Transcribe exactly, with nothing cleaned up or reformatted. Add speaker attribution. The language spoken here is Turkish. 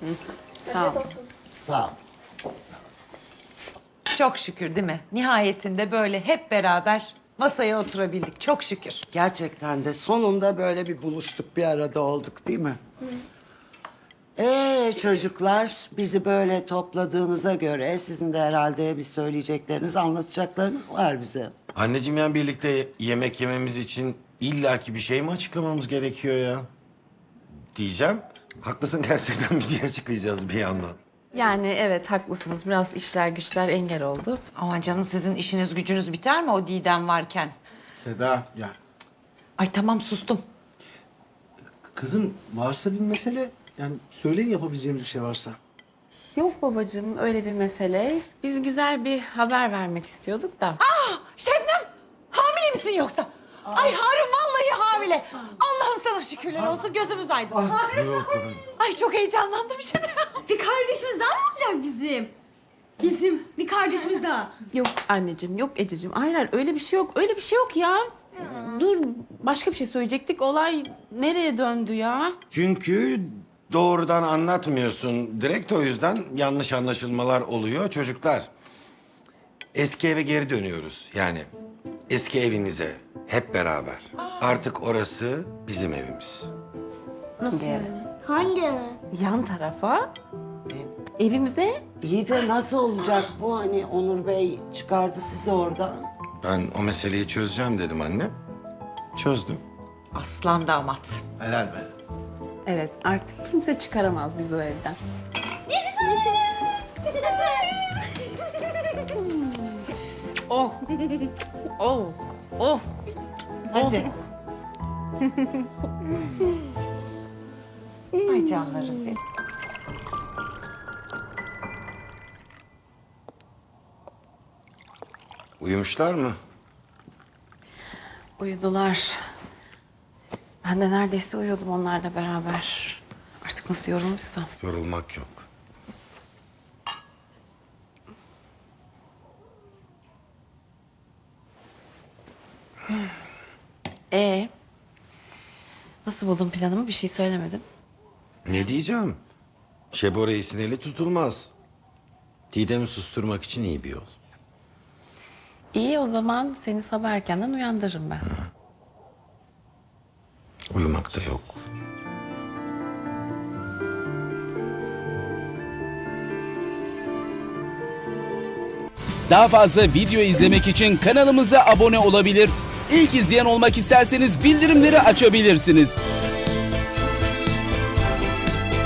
Speaker 1: Sağ ol.
Speaker 2: Sağ ol.
Speaker 3: Çok şükür değil mi? Nihayetinde böyle hep beraber masaya oturabildik. Çok şükür.
Speaker 2: Gerçekten de sonunda böyle bir buluştuk, bir arada olduk değil mi? Ee çocuklar, bizi böyle topladığınıza göre sizin de herhalde bir söyleyecekleriniz, anlatacaklarınız var bize.
Speaker 4: Anneciğim, yani birlikte yemek yememiz için illaki bir şey mi açıklamamız gerekiyor ya? Diyeceğim. Haklısın, gerçekten bir şey açıklayacağız bir yandan.
Speaker 1: Yani evet haklısınız. Biraz işler güçler engel oldu.
Speaker 3: Ama canım sizin işiniz gücünüz biter mi o Didem varken?
Speaker 5: Seda ya
Speaker 3: Ay tamam sustum.
Speaker 5: kızım varsa bir mesele yani söyleyin yapabileceğimiz bir şey varsa.
Speaker 1: Yok babacığım öyle bir mesele. Biz güzel bir haber vermek istiyorduk da.
Speaker 3: Şebnem hamile misin yoksa? Ay Harun vallahi hamile. Allah'ım sana şükürler olsun gözümüz aydın.
Speaker 4: Yok.
Speaker 3: Ay çok heyecanlandım şimdi.
Speaker 6: Bir kardeşimiz daha mı olacak bizim? Bizim bir kardeşimiz daha.
Speaker 1: Yok anneciğim yok Ececiğim. Hayır hayır öyle bir şey yok. Öyle bir şey yok ya. Dur başka bir şey söyleyecektik. Olay nereye döndü ya?
Speaker 4: Çünkü doğrudan anlatmıyorsun. Direkt o yüzden yanlış anlaşılmalar oluyor. Çocuklar, eski eve geri dönüyoruz. Yani eski evinize hep beraber. Artık orası bizim evimiz.
Speaker 1: Nasıl yani?
Speaker 6: Hangi eve?
Speaker 1: Yan tarafa evimize.
Speaker 2: İyi de nasıl olacak bu, hani Onur Bey çıkardı sizi oradan?
Speaker 4: Ben o meseleyi çözeceğim dedim anne. Çözdüm.
Speaker 3: Aslan damat.
Speaker 5: Helal be.
Speaker 1: Evet artık kimse çıkaramaz bizi o evden. Oh. Oh. Oh.
Speaker 3: Hadi. Ay canlarım benim.
Speaker 4: Uyumuşlar mı?
Speaker 1: Uyudular. Ben de neredeyse uyuyordum onlarla beraber. Artık nasıl yorulmuşsam.
Speaker 4: Yorulmak yok.
Speaker 1: Ee, nasıl buldun planımı? Bir şey söylemedin.
Speaker 4: Ne diyeceğim? Şebo Reis'in eli tutulmaz. Didem'i susturmak için iyi bir yol.
Speaker 1: İyi o zaman seni sabah erkenden uyandırırım ben.
Speaker 4: Uyumak da yok.
Speaker 7: Daha fazla video izlemek için kanalımıza abone olabilir. İlk izleyen olmak isterseniz bildirimleri açabilirsiniz.